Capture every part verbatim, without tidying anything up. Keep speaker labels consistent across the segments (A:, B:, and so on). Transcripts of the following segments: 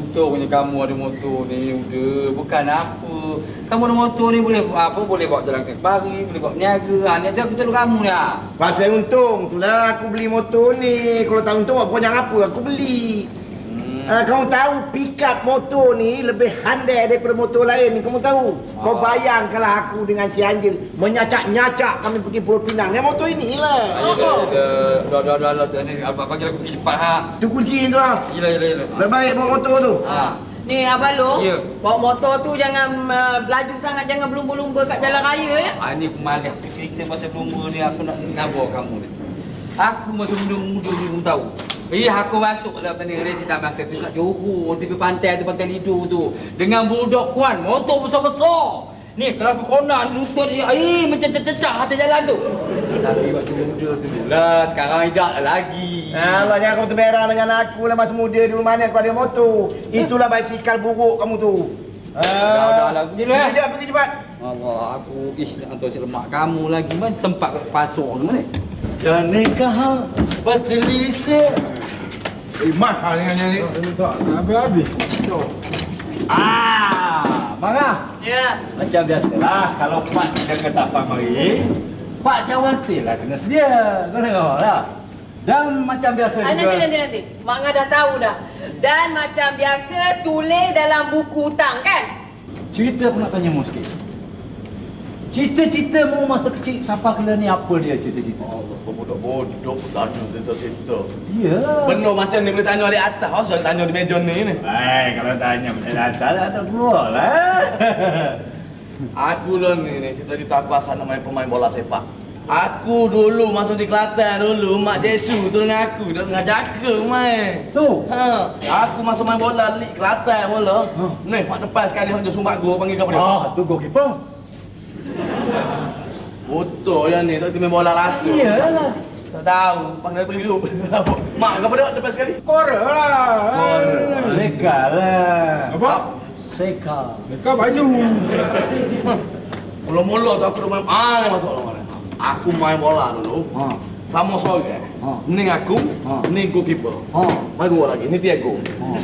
A: Untungnya kamu ada motor ni, udah. Bukan apa. Kamu ada motor ni boleh apa? Boleh bawa jalan kaki pagi, boleh bawa niaga. Ha, ni aku tolong kamu ni. Ha.
B: Pasal untung itulah aku beli motor ni. Kalau tak untung aku jangan apa aku beli. Uh, kamu tahu pick up motor ni lebih handai daripada motor lain ni, kamu tahu? Ah. Kau bayangkanlah aku dengan si Anjil menyacak-nyacak kami pergi Pulau Pinang. Yang motor inilah.
A: Ah, ya, ya, dah, dah, dah, dah, dah, ni abang panggil aku pergi cepat ha.
B: Tu kunci tu ah.
A: Yalah, yalah, yalah.
B: Lebih baik bawa motor tu.
A: Ha.
C: Ni Abang Long,
A: Ya.
C: bawa motor tu jangan uh, laju sangat, jangan berlumba-lumba kat jalan raya ya.
A: Ah, ni aku malas cerita pasal pelumba ni, aku nak ngabar kamu ni. Aku masa muda-muda ni kamu tahu. Eh, aku masuk dalam tani resi tak masa tu kat Johor, tepi pantai tu, pantai Lido tu. Dengan budak kuan, motor besar-besar. Ni kalau aku konak lutut dia, eh macam cecah atas jalan tu. Tapi waktu muda tu lah, sekarang tidak lagi.
B: Allah, jangan kamu terberang dengan aku lah masa muda dulu mana kau ada motor. Itulah basikal buruk kamu tu.
A: Dah, dah lah, pergi dulu eh.
B: Pergi pergi cepat.
A: Allah, aku ish nak hantar si lemak kamu lagi. Mana sempat ke pasar tu mana?
D: Janikah bertelisir.
E: Eh, mahal dengan yang ni.
D: Tak habis-habis.
A: Ah, marah.
C: Ya.
D: Macam biasalah, kalau Pak dia kata Pak mari, Pak Cawati lah kena sedia. Kau tengok lah. Dan macam biasa
C: Ah,
D: juga.
C: nanti, nanti, nanti. Mak Ngah dah tahu dah. Dan macam biasa, tulis dalam buku hutang kan?
D: Cerita aku nak tanya mu sikit. Cita-cita mu masa kecil sampai kena ni apa dia cita-cita?
E: Allah, kau bodoh-bodoh pun tak ada cerita-cerita.
D: Iyalah.
E: Benar macam ni boleh tanya di atas, kau selalu tanya di meja ni ni.
D: Baik, kalau tanya macam atas lah, tak keluar lah.
E: Aku lah ni, ni cita-cita aku asal nak main pemain bola sepak. Aku dulu masuk di Kelantan dulu, Mak Jesu tu dengan aku, dia ngajak aku main.
D: Tu.
E: Ha, aku masuk main bola Lig Kelantan bola.
D: Ha.
E: Ni, mak depan sekali hang sumbat gol panggil kau dia.
D: Ah, tu goalkeeper.
E: Betul yang ni, tak main bola rasa.
D: Iyalah.
E: Tak tahu, panggil pergi dulu. Mak kau pada depan sekali.
D: Skorer lah.
E: Skor.
D: Seka lah.
E: Apa?
D: Seka.
B: Kau baju.
E: Mula-mula tu aku dah main, ah ni masuk orang. Aku main bola dulu.
D: Ha.
E: Sama sore.
D: Ha.
E: Ni aku,
D: Ha.
E: ni goalkeeper.
D: Ha.
E: Main dua lagi, ni Tiago.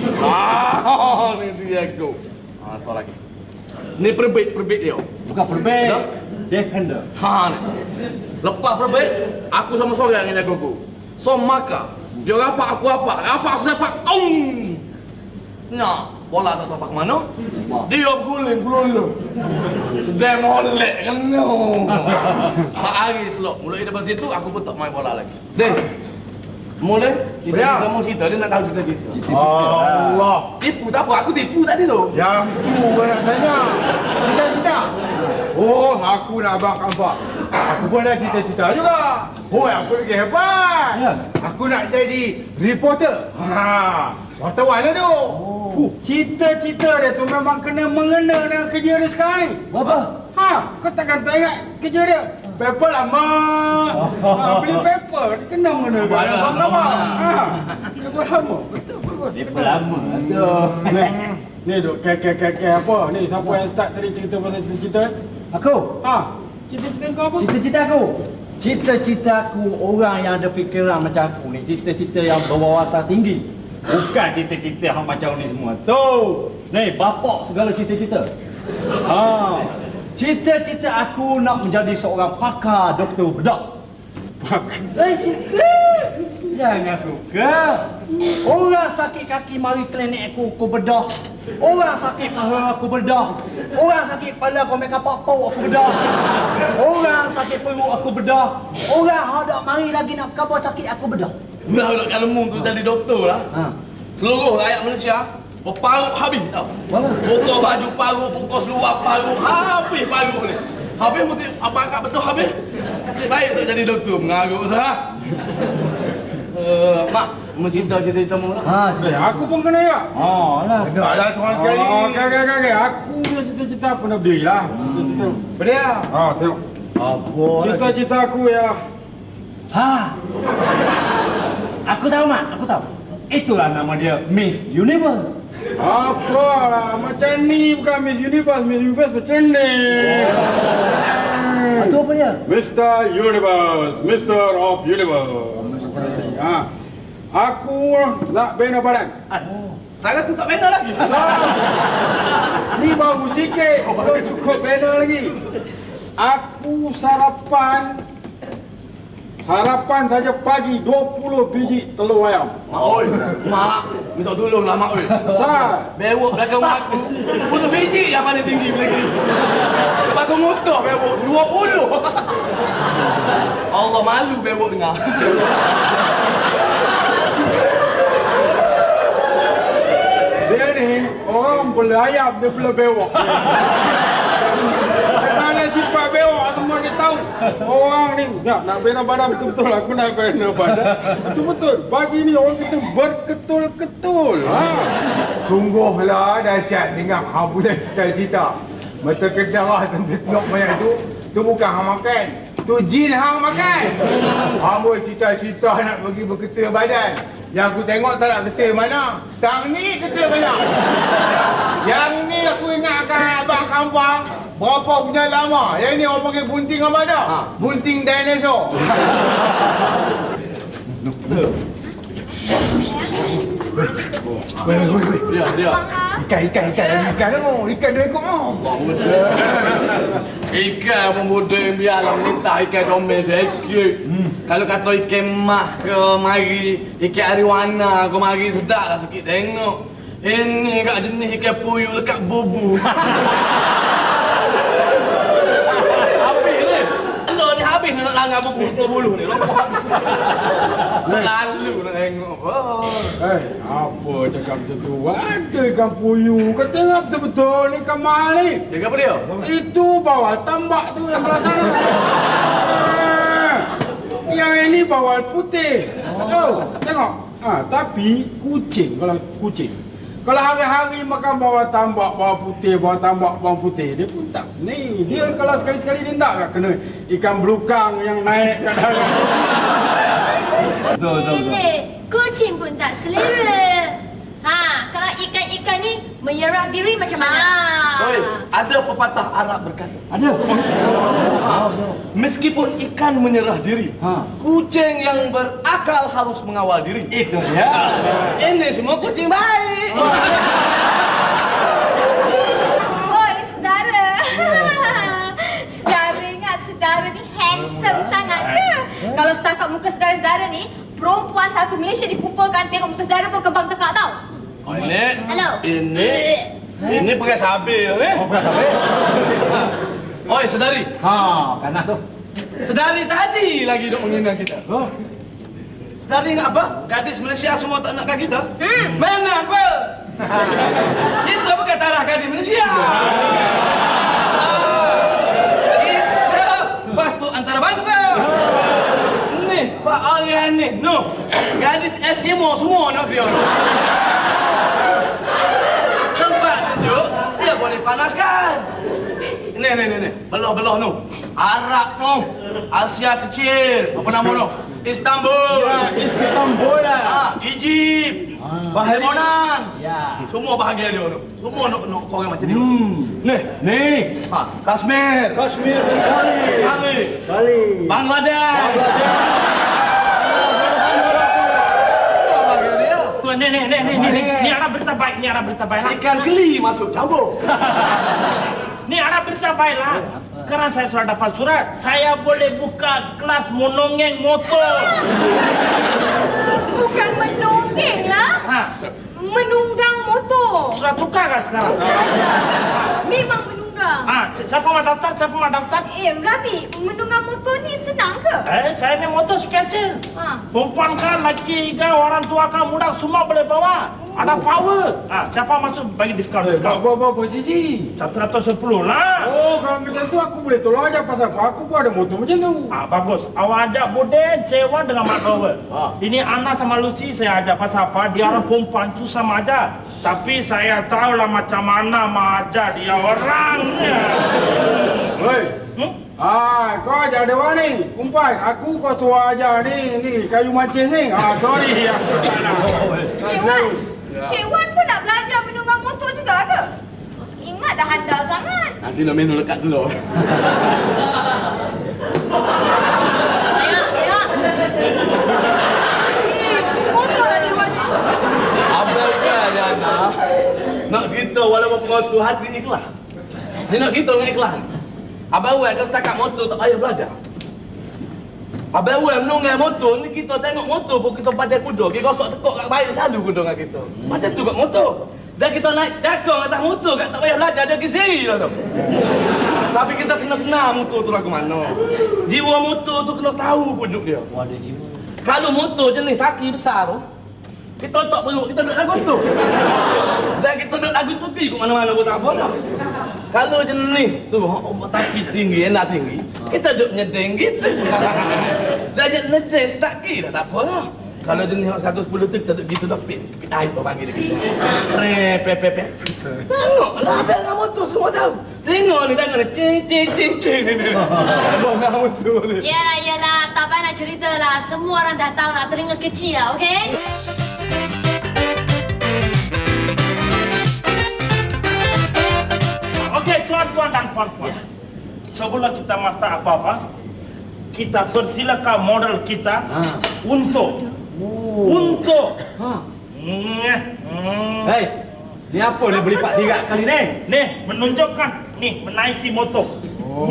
E: Ah, ni Tiago. Ah, so lagi. Ni perbait, perbait dia.
D: Bukan perbait.
E: Dah?
D: Defender.
E: Ha ni. Lepas perbait, aku sama sore dengan jago aku. So maka, dia rapak aku apa? Rapak aku sepak. Tong. Senyap. Bola tak tahu apa ke mana. Dia berguling, guling. Sudah molek kan no. Pak hari selok. Mulai daripada situ aku pun tak main bola lagi. Deh. Mulai kita mau cerita dia nak tahu cerita-cerita.
B: Allah.
E: Tipu tak apa, aku tipu tadi tu.
B: Yang tu kau nak tanya. Cita-cita. Oh, aku nak abang nampak. Aku pun ada cita-cita juga. Oh, aku lagi hebat.
D: Ya.
B: Aku nak jadi reporter. Ha, wartawan lah tu.
D: Oh.
F: Cita-cita dia tu memang kena mengena dengan kerja dia sekarang ni.
D: Apa?
F: Ha, kau takkan tak ingat kerja dia? Paper lama. Ha, beli paper, dia kena mengena dengan
E: Paper
F: abang
E: lama.
F: lama. Ha, paper lama. Betul, bagus.
D: Dia lama tu.
F: Ni duk kek-kek-kek apa? Ni siapa yang start tadi cerita pasal cita-cita?
D: Aku.
F: Ha, cita-cita kau apa?
D: Cita-cita aku. Cita-cita aku orang yang ada fikiran macam aku ni. Cita-cita yang berwawasan tinggi. Bukan cita-cita hang macam ni semua. Tu. Ni bapak segala cita-cita. Ha. Cita-cita aku nak menjadi seorang pakar doktor bedah. Pakar. Eh, suka. Jangan suka. Orang sakit kaki mari klinik aku, aku bedah. Orang sakit paha aku bedah. Orang sakit kepala kau make up pau aku bedah. Orang sakit perut aku bedah. Orang hendak mari lagi nak khabar sakit aku bedah.
E: Budak-budak Kalemung tu jadi doktor lah.
D: Ha.
E: Seluruh rakyat Malaysia berparut habis tau.
D: Mana?
E: Pokok baju parut, pokok seluar parut, habis parut ni. Habis mesti apa angkat betul habis. Nasib baik tak jadi doktor, mengarut sah. Uh, mak, mencinta cita-cita mu lah.
D: Ha,
F: Eh, aku pun kena ya.
D: Oh, lah.
B: Dah lah seorang sekali.
F: Oh, okey, okey, okey, okey. Aku punya cita-cita aku nak berdiri lah. Cita-cita.
B: Beria.
F: Ha, tengok.
B: Apa?
F: Cita-cita aku ya.
D: Ha. Aku tahu mak, aku tahu. Itulah nama dia Miss Universe.
F: Apalah, macam ni bukan Miss Universe. Miss Universe macam ni.
D: Ha, tu apa dia?
F: Mister Universe, Mister of Universe. Ha. Aku nak bina badan.
E: Ah, sekarang tu tak bina lagi.
F: Ni baru sikit. Belum cukup bina lagi. Aku sarapan Sarapan saja pagi dua puluh biji telur ayam.
E: Mak oi, mak minta tolonglah mak oi.
F: Sah.
E: Bewok belakang mak aku sepuluh biji yang paling tinggi lagi. Lepas tu motor bewok dua puluh. Allah malu bewok dengar.
F: Dia ni orang beli ayam dia beli bewok. Kalau sifat bewok semua dia tahu. Orang ni nak nak bina badan betul-betul aku nak bina badan. Betul-betul. Pagi ni orang kita berketul-ketul. Ha.
G: Sungguhlah dahsyat dengar hang punya cita-cita. Mata kedarah sampai teluk banyak tu, tu bukan hang makan. Tu jin hang makan. Hang boleh cita-cita nak pergi berketul badan. Yang aku tengok tak nak ketul mana. Tang ni ketul banyak. Yang ni aku ingatkan abang kampung. Berapa punya lama. Yang ni orang panggil bunting apa dah? Ha. Bunting dinosaur. Weh, weh, weh.
E: Dia, dia.
G: Ikan, ikan, ikan. Ikan tu. Ikan dua ekor tu.
E: Ikan pun bodoh biarlah minta ikan comel sikit. Hmm. Kalau kata ikan mak ke mari, ikan ariwana ke mari sedap lah sikit tengok. Ini kat jenis ikan puyuh lekat bubu. Habis ni. Anda ni habis ni nak langgar bubu bulu ni. Tak lalu nak tengok. Oh.
F: Eh, apa cakap macam tu? Ada ikan puyuh. Kau tengok betul-betul ni ikan malik.
E: Jaga apa dia?
F: Itu bawal tambak tu yang belah sana. Ah, yang ini bawal putih. Oh, tengok. Ah, tapi kucing kalau kucing. Kalau hari-hari makan bawal tambak, bawal putih, bawal tambak, bawal putih, dia pun tak. Ni, dia kalau sekali-sekali dia tak tak kena ikan belukang yang naik kat dalam.
D: Betul, betul, betul.
H: Ini kucing pun tak selera. Ha, kalau ikan-ikan ni menyerah diri macam mana?
E: Oi, ada pepatah Arab berkata.
D: Ada.
E: Ha, meskipun ikan menyerah diri,
D: Ha.
E: kucing yang berakal harus mengawal diri.
D: Itu dia.
E: Ini semua kucing baik.
H: Oi, saudara. Saudara ingat saudara ni handsome sangat ke? Kalau setakat muka saudara-saudara ni, perempuan satu Malaysia dikumpulkan tengok muka saudara pun kembang tekak tau.
E: Oh, ini,
H: Hello.
E: ini, ini pegang sabil ni.
D: Oh, berapa habis?
E: Oi, sedari.
D: Ha, kanan tu.
E: Sedari tadi lagi duk menghina kita.
D: Oh.
E: Sedari ingat apa? Gadis Malaysia semua tak nakkan kita?
H: Hmm.
E: Mana apa? Kita bukan tarah gadis Malaysia. Kita pasport antarabangsa. Ni, Pak Aryan ni. No. Gadis Eskimo semua nak dia. Tempat sejuk, dia boleh panaskan. Ni, ni, ni, ni. Belah-belah tu. Arab tu. Asia kecil. Apa nama tu? Istanbul.
F: Ya, Istanbul lah.
E: Ah, Egypt.
G: Bahari.
E: Lebanon.
D: Ya.
E: Semua bahagia dia tu. Semua nak nak korang macam dia.
D: Hmm.
E: Ni.
D: Ni.
E: Ha, Kashmir.
D: Kashmir kali.
E: Kali.
D: Kali.
E: Bangladesh. Bahagia dia.
I: Ni ni ni ni ni ni ada berita baik, ni ada berita baik.
E: Ikan keli masuk campur.
I: Ni ada berita baik lah. Sekarang saya sudah dapat surat. Saya boleh buka kelas menongeng motor.
H: Bukan menonggeng lah.
I: Ha,
H: Menunggang motor.
I: sudah tukar kan sekarang?
H: Memang menunggang.
I: Ah, si- siapa mau daftar? Siapa mau daftar?
H: Eh, Rabi, menunggang motor ni senang ke?
I: Eh, saya ni motor spesial.
H: Ha.
I: Perempuan kan, laki kan, orang tua kan, muda semua boleh bawa. Ada power. Ah, siapa masuk bagi diskaun
F: Eh,
I: diskaun?
F: berapa posisi?
I: Satu ratus sepuluh lah.
F: Oh, kalau macam tu aku boleh tolong aja pasal aku pun ada motor macam tu.
I: Ah, bagus. Awak ajak Bude, Cewan dengan Mak Power.
E: Ah.
I: Ini Ana sama Lucy saya ajak pasal apa? Dia orang perempuan susah aja. Tapi saya tahu lah macam mana aja dia orangnya.
F: Hei.
I: Hmm?
F: Ah, kau ajar dia orang ni. Kumpai, aku kau suruh ajar ni, ni kayu macis ni. Ah, sorry aku tak nak.
H: Cik Wan, Cik Wan pun nak belajar menunggang motor juga ke? Ingat dah handal sangat.
E: Nanti nak minum lekat dulu.
H: Ayah, ayah. Motor
E: walaupun pengawas tu hati ikhlas. Dia nak kita dengan ikhlas. Abang Wan kalau setakat motor tak payah belajar. Abang Wan menunggang motor ni kita tengok motor pun kita pacar kuda. Dia gosok tekuk kat baik selalu kuda dengan kita. Macam tu kat motor. Dan kita naik cakong atas motor kat tak payah belajar dia pergi sendiri lah tu. Tapi kita kena kenal motor tu lagu mana. Jiwa motor tu kena tahu pujuk dia.
D: Oh, ada jiwa.
E: Kalau motor jenis kaki besar tu, kita tak perut, kita duduk lagu tu. Dan kita duduk lagu tu pergi ke mana-mana pun tak apa dah. Kalau jenis tu, tapi tinggi, enak tinggi, kita duduk nyedeng gitu. Dan jenis nyedeng start key dah tak apa lah. Kalau jenis seratus sepuluh tu, kita duduk gitu dah pit, pit air apa pagi dia kita. Rep, pep, pep, pep. Tengoklah, biar dengan motor semua tahu. Tengok ni, tengok ni, cing, cing, cing, cing. Abang dengan motor ni.
H: Yalah, yalah. Tak payah nak cerita lah. Semua orang dah tahu lah. Telinga kecil lah, okey?
I: Okey, tuan-tuan dan puan-puan. Sebelum kita masak apa-apa, kita persilakan model kita untuk untuk
D: Ha.
I: Hmm.
D: Hei, ni apa ni beli pak sirat kali ni?
I: Nih, menunjukkan nih menaiki motor. Oh.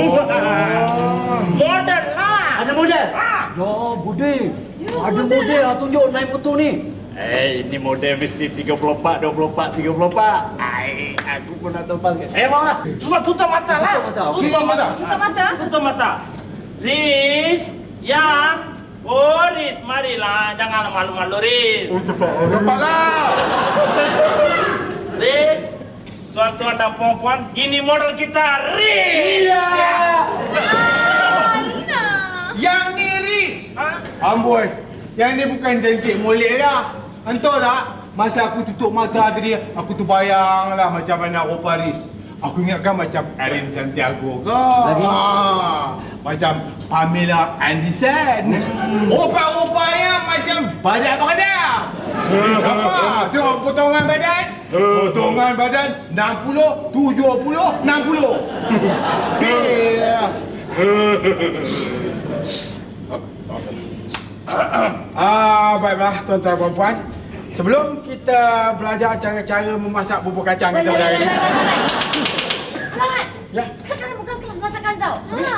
I: Model lah.
D: Ada model?
I: Ah.
D: Ya, Budi. Ada model lah tunjuk naik motor ni.
I: Eh, ini model mesti tiga puluh empat, dua puluh empat, tiga puluh empat. Ai, aku pun nak tempas kat. Saya mau lah. Cuma tutup mata lah.
D: Tutup mata, okey.
I: Tutup mata.
H: Tutup mata.
I: Tutup mata. Riz, yang, oh Riz, marilah. Jangan malu-malu Riz.
G: Oh, cepat. Cepatlah.
I: Riz, tuan-tuan dan puan-puan, ini model kita Riz.
D: Ya.
H: Alina.
G: Yang ni Riz.
I: Ha?
G: Amboi, yang ni bukan cantik molek dah. Entah tak? Masa aku tutup mata tadi, aku terbayang lah macam mana rupa Riz. Aku ingatkan macam Erin Santiago ke?
D: Lagi?
G: Ah, macam Pamela Anderson. Rupa-rupanya macam badan badan. Siapa? Tengok potongan badan. Potongan badan enam puluh, tujuh puluh, enam puluh. Yeah.
F: Ah, baiklah tuan-tuan dan puan. Sebelum kita belajar cara-cara memasak bubur kacang kita hari ini.
H: Selamat.
F: Ya.
H: Sekarang bukan kelas masakan tau. Ha,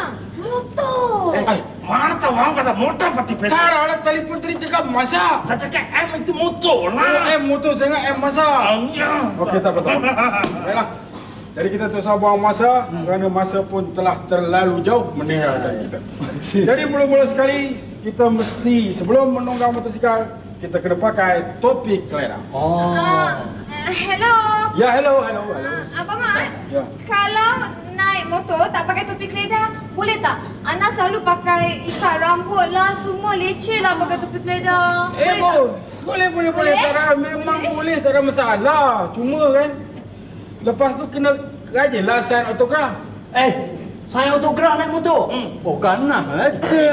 H: motor.
F: Eh,
I: Mana tahu orang kata motor pasti pesa.
F: cara lah telefon tadi cakap masak.
I: Saya cakap M itu motor
F: Oh,
I: lah.
F: M motor sangat M masak.
I: Ya.
F: Okey, tak betul. Baiklah. Jadi kita tak usah buang masa kerana masa pun telah terlalu jauh meninggalkan kita. Jadi mula-mula sekali kita mesti sebelum menunggang motosikal kita kena pakai topi kelena.
D: Oh.
H: Ah, uh, hello.
F: Ya, hello, hello, hello.
H: Uh, Abang Mat,
F: Ya.
H: kalau naik motor tak pakai topi keledar, boleh tak? Ana selalu pakai ikat rambut lah, semua leceh lah pakai topi keledar.
F: Eh,
H: Boleh
F: bo, boleh, boleh, boleh.
H: Boleh?
F: Tak ada, memang boleh, tak ada masalah. Cuma kan, lepas tu kena rajinlah sign autograf.
D: Eh, saya autograf naik motor.
I: Hmm.
D: Bukan nak. Ada.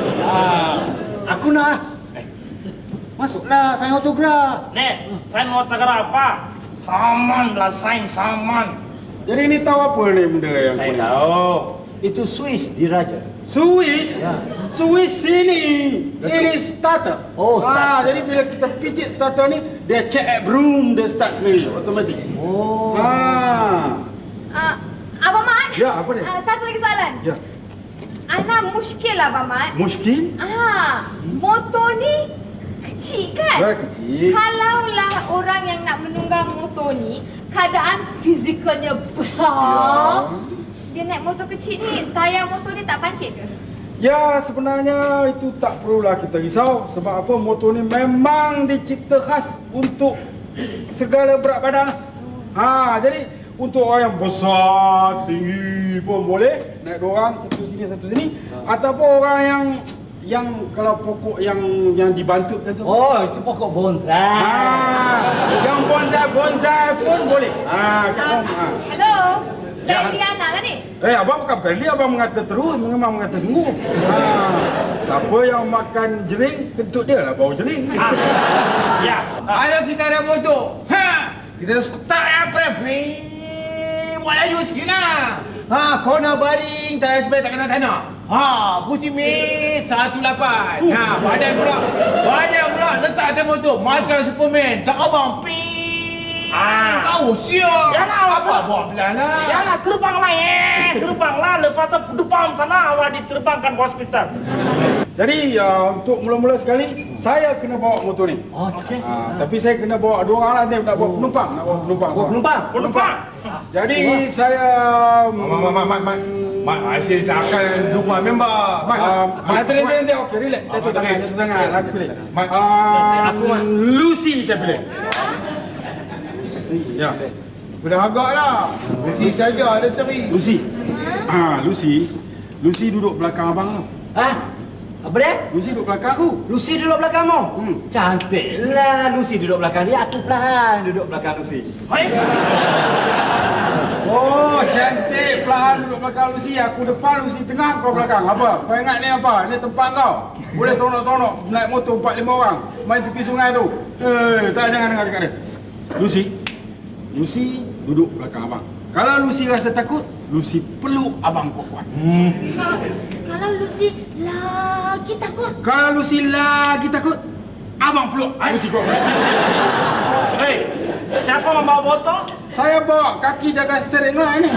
D: Ah, aku nak. Eh, masuklah saya autograf.
I: Nih, saya mau tegak apa? Saman lah, sign saman.
F: Jadi ini tahu apa ni benda yang
D: Saya
F: kuning?
D: tahu. Itu Swiss diraja.
F: Swiss?
D: Ya.
F: Swiss ini. Ini starter.
D: Oh,
F: Ah,
D: starter.
F: jadi bila kita pijit starter ni, dia check at broom, dia start sendiri, automatik.
D: Oh.
F: Ah.
H: Uh, Abang Mat?
F: Ya, apa dia?
H: Uh, satu lagi soalan.
F: Ya.
H: Ana muskil lah Abang Mat.
F: Muskil?
H: Ah, motor ni kecil kan?
F: Ya, kecil.
H: Kalaulah orang yang nak menunggang motor ni, keadaan fizikalnya besar, dia naik motor kecil ni, tayar motor ni tak pancit ke?
F: Ya, sebenarnya itu tak perlulah kita risau. Sebab apa, motor ni memang dicipta khas untuk segala berat badan lah. Ha, jadi untuk orang yang besar, tinggi pun boleh. Naik dua orang, satu sini, satu sini. Ataupun orang yang yang kalau pokok yang yang dibantutkan tu.
D: Oh, itu pokok bonsai.
F: Ha, yang bonsai-bonsai pun boleh. Ha,
H: Uh,
F: kita, ha.
H: hello?
F: Ya.
H: Saya Liana lah ni.
F: Eh, abang bukan Perli, abang mengata terus, memang mengata sungguh. Ha, siapa yang makan jering, kentut dia lah bau jering.
I: Ya.
G: Kalau kita ada motor, ha, kita start apa ya? Buat laju sikit lah. Ha, corner baring, tayar spare tak kena tanah. Ha, pusi mit satu lapan. Ha, badan pula. Badan pula letak atas motor macam Superman. Tak abang. Ping.
I: Ah.
G: Tahu siap.
I: Yalah,
G: Apa buat belah lah?
I: Jangan terbanglah eh, terbanglah. Lepas tu depan sana awak diterbangkan ke hospital.
F: Jadi uh, untuk mula-mula sekali saya kena bawa motor ni.
D: Oh, okey.
F: Ah, tapi saya kena bawa dua orang lah ni nak bawa penumpang, nak bawa penumpang.
D: Oh, penumpang.
I: Penumpang.
F: Jadi saya
G: Mat, mat, mat, mat, mat. Mat, Aisyah tak akan lupa member. Mat,
F: Ah,
G: mat,
F: nanti nanti nanti okey relax.
G: Ah,
F: Jatuh
G: mat,
F: tangan,
G: okey.
F: jatuh tangan. Aku pilih.
G: Mat.
F: Ah, aku Lucy saya pilih. Ya.
G: Sudah agak lah. Lucy saja ada cari.
F: Lucy. Ah, Lucy. Lucy duduk belakang abang tau.
D: Ha? Apa dia?
F: Lucy duduk belakang aku.
D: Lucy duduk belakangmu?
F: Hmm.
D: Cantiklah Lucy duduk belakang dia. Aku perlahan duduk belakang Lucy.
I: Hei.
F: Oh, cantik. Perlahan duduk belakang Lucy. Aku depan, Lucy tengah, kau belakang. Apa? Kau ingat ni apa? Ni tempat kau. Boleh seronok-seronok naik motor empat lima orang. Main tepi sungai tu. Eh, tak jangan dengar dekat dia. Lucy. Lucy duduk belakang abang. Kalau Lucy rasa takut, Lucy peluk abang kuat-kuat.
H: Kalau Lucy lagi takut.
F: Kalau Lucy lagi takut, abang peluk Lucy kuat-kuat.
I: Hei, siapa membawa motor?
F: Saya bawa kaki jaga steering lah ni.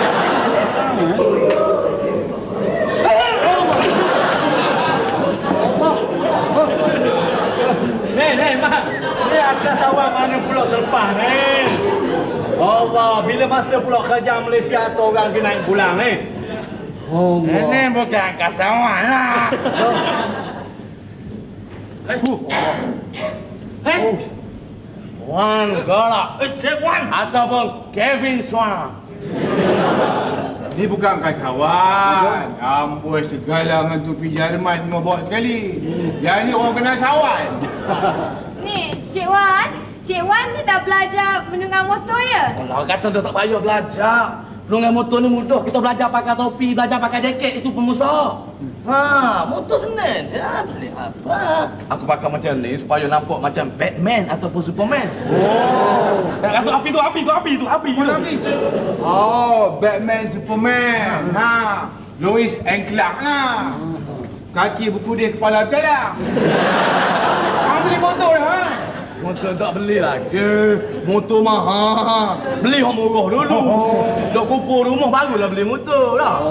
D: Nih, nih, Mak. Ni atas awak mana pula terlepas ni? Allah, bila masa pula kerja Malaysia atau orang kena naik pulang ni? Allah.
I: Ini bukan kasawan lah. Hei. Wan Galak. Eh, Cik Wan. Ataupun Kevin Swan.
G: Ni bukan kasawan. Amboi segala dengan tu pergi Jerman cuma bawa sekali. Yang ni orang kena sawan.
H: Ni, Cik Wan. Cik Wan ni dah belajar menunggang motor ya?
E: Kalau kata dah tak payah belajar. Penunggang motor ni mudah. Kita belajar pakai topi, belajar pakai jaket, itu pun mudah. Ha, motor senang je. Beli apa? Aku pakai macam ni supaya nampak macam Batman ataupun Superman.
G: Oh.
E: Nak rasuk api tu, api tu, api tu, api tu. Api.
G: Oh, Batman, Superman. Ha. Lois and Clark lah. Kaki berpudih, kepala calang. Orang beli motor lah. Ha?
E: Motor tak beli lagi. Motor mahal. Beli yang murah dulu. Dok kumpul rumah barulah beli motor lah.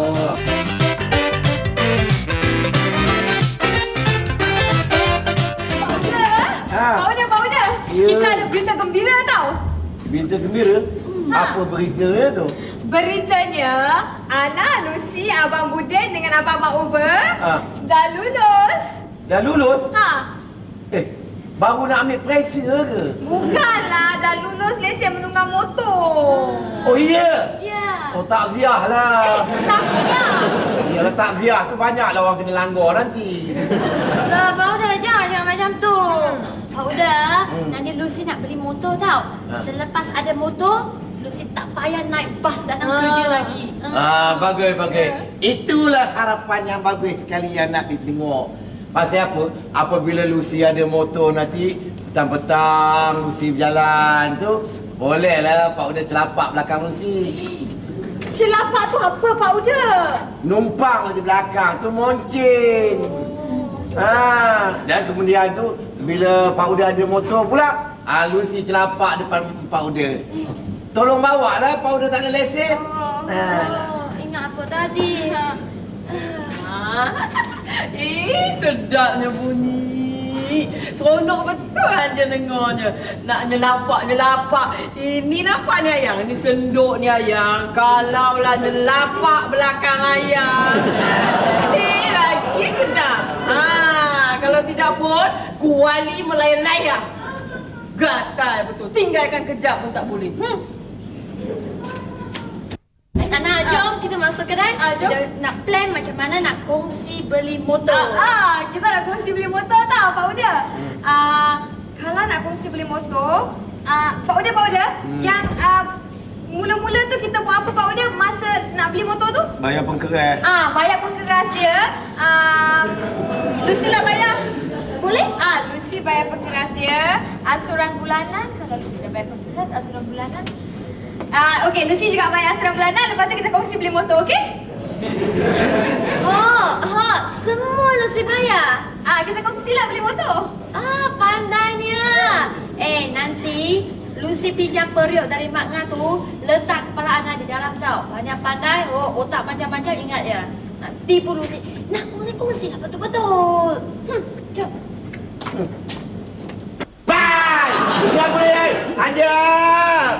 H: Pak Uda, Pak Uda.
D: Ya.
H: Kita ada berita gembira tau.
D: Berita gembira? Apa beritanya tu?
H: Beritanya, Ana, Lucy, Abang Buden dengan Abang Mak Uber
D: Ha.
H: dah lulus.
D: Dah lulus?
H: Ha,
D: Eh, baru nak ambil pressure ke?
H: bukanlah dah lulus lesen menunggang motor.
D: Oh iya?
H: Ya.
D: Oh takziah lah.
H: Eh, tak nak.
D: Yalah takziah tu banyaklah orang kena langgar nanti.
H: Lah, Pak Uda, jangan jangan macam tu. Pak Uda, nanti Lucy nak beli motor tau. Selepas ada motor, Lucy tak payah naik bas datang kerja lagi.
B: Ah, bagus, bagus. Itulah harapan yang bagus sekali yang nak ditengok. Pasal apa? Apabila Lucy ada motor nanti, petang-petang Lucy berjalan tu, bolehlah Pak Uda celapak belakang Lucy.
H: Celapak tu apa, Pak Uda?
B: Numpang di belakang tu moncing. Ah, dan kemudian tu bila Pak Uda ada motor pula, ah, Lucy celapak depan Pak Uda. Tolong bawa lah, Pak Uda tak ada lesen.
H: Oh,
B: Ah.
H: ingat apa tadi?
C: Eh, sedapnya bunyi. Seronok betul aja dengarnya. Nak nyelapak-nyelapak. Ini nampak ni ayang. Ini senduk ni ayang. Kalaulah nyelapak belakang ayang. Eh, lagi sedap. Ha, kalau tidak pun, kuali melayang-layang. Gatal betul. Tinggalkan kejap pun tak boleh. Hmm.
H: Nana, jom kita masuk kedai. Ah, jom. Kita nak plan macam mana nak kongsi beli motor. Ah, ah, kita nak kongsi beli motor tau, Pak Uda. Ah, kalau nak kongsi beli motor, ah, Pak Uda, Pak Uda, hmm. yang ah, mula-mula tu kita buat apa, Pak Uda, masa nak beli motor tu?
B: Bayar pengkeras.
H: Ah, bayar pengkeras dia. Ah, Lucy lah bayar. Boleh? Ah, Lucy bayar pengkeras dia. Ansuran bulanan. Kalau Lucy dah bayar pengkeras, ansuran bulanan. Ah, okey, Lucy juga bayar ansuran bulanan. Lepas tu kita kongsi beli motor, okey? Oh, ha, semua Lucy bayar. Ah, kita kongsilah beli motor. Ah, pandainya. Eh, nanti Lucy kongsi pinjam periuk dari Mak Ngah tu, letak kepala anak di dalam tau. Banyak pandai, oh, otak macam-macam ingat ya. Nak tipu Lucy. Nak kongsi-kongsi lah betul-betul. Hmm, jom.
B: Bye! Tidak boleh! Ajar!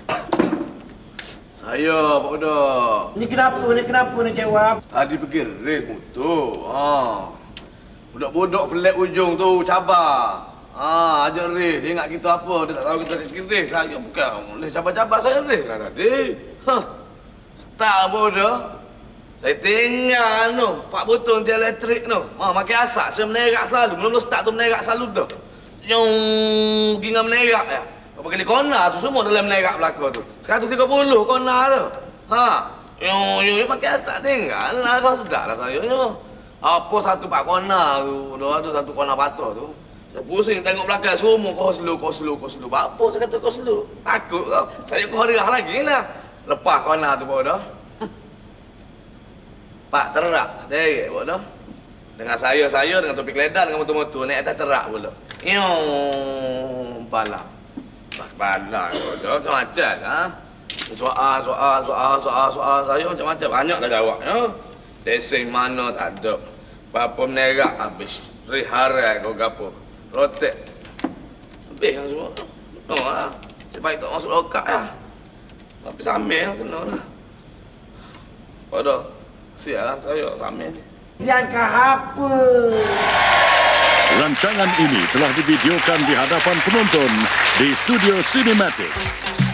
E: Saya, Pak Udah.
B: Ini kenapa? Ini kenapa nak jawab?
E: Tadi pergi race motor. Ha. Budak-budak flat ujung tu cabar. Ha, ajak race. Dia ingat kita apa? Dia tak tahu kita pergi race. Saya bukan boleh cabar-cabar saya race lah tadi. Ha. Start Pak Udah. Saya tinggal tu. Pak botol tiang elektrik tu. Ha, makin asap. Saya menerak selalu. Mula-mula start tu menerak selalu tu. Yang gingga menerak ya. Berapa kali kona tu semua dalam menerak belakang tu. seratus tiga puluh kona tu. Ha. Yo yo pakai asap tinggal lah kau sedar lah saya yo. Apa satu pak kona tu, dah ada satu kona patah tu. Saya pusing tengok belakang semua kau slow kau slow kau slow. Apa saya kata kau slow? Takut kau. Saya kau harah lagi lah. Lepas kona tu pun dah. Pak terak sedikit pun dah. Dengan saya saya dengan topik ledan dengan motor-motor naik atas terak pula. Yo balak. Balak dah macam-macam ha. Soal, soal, soal, soal, soal saya macam-macam. Banyak dah jawab ya. Lesen mana tak ada. Apa menerak habis. Riharai kau gapo. Rotek. Habis kan semua. No lah. Sebaik tak masuk lokak ya. Tapi samil kena lah. Pada siap lah saya samil.
B: Siangkah apa?
J: Rancangan ini telah divideokan di hadapan penonton di Studio Cinematic.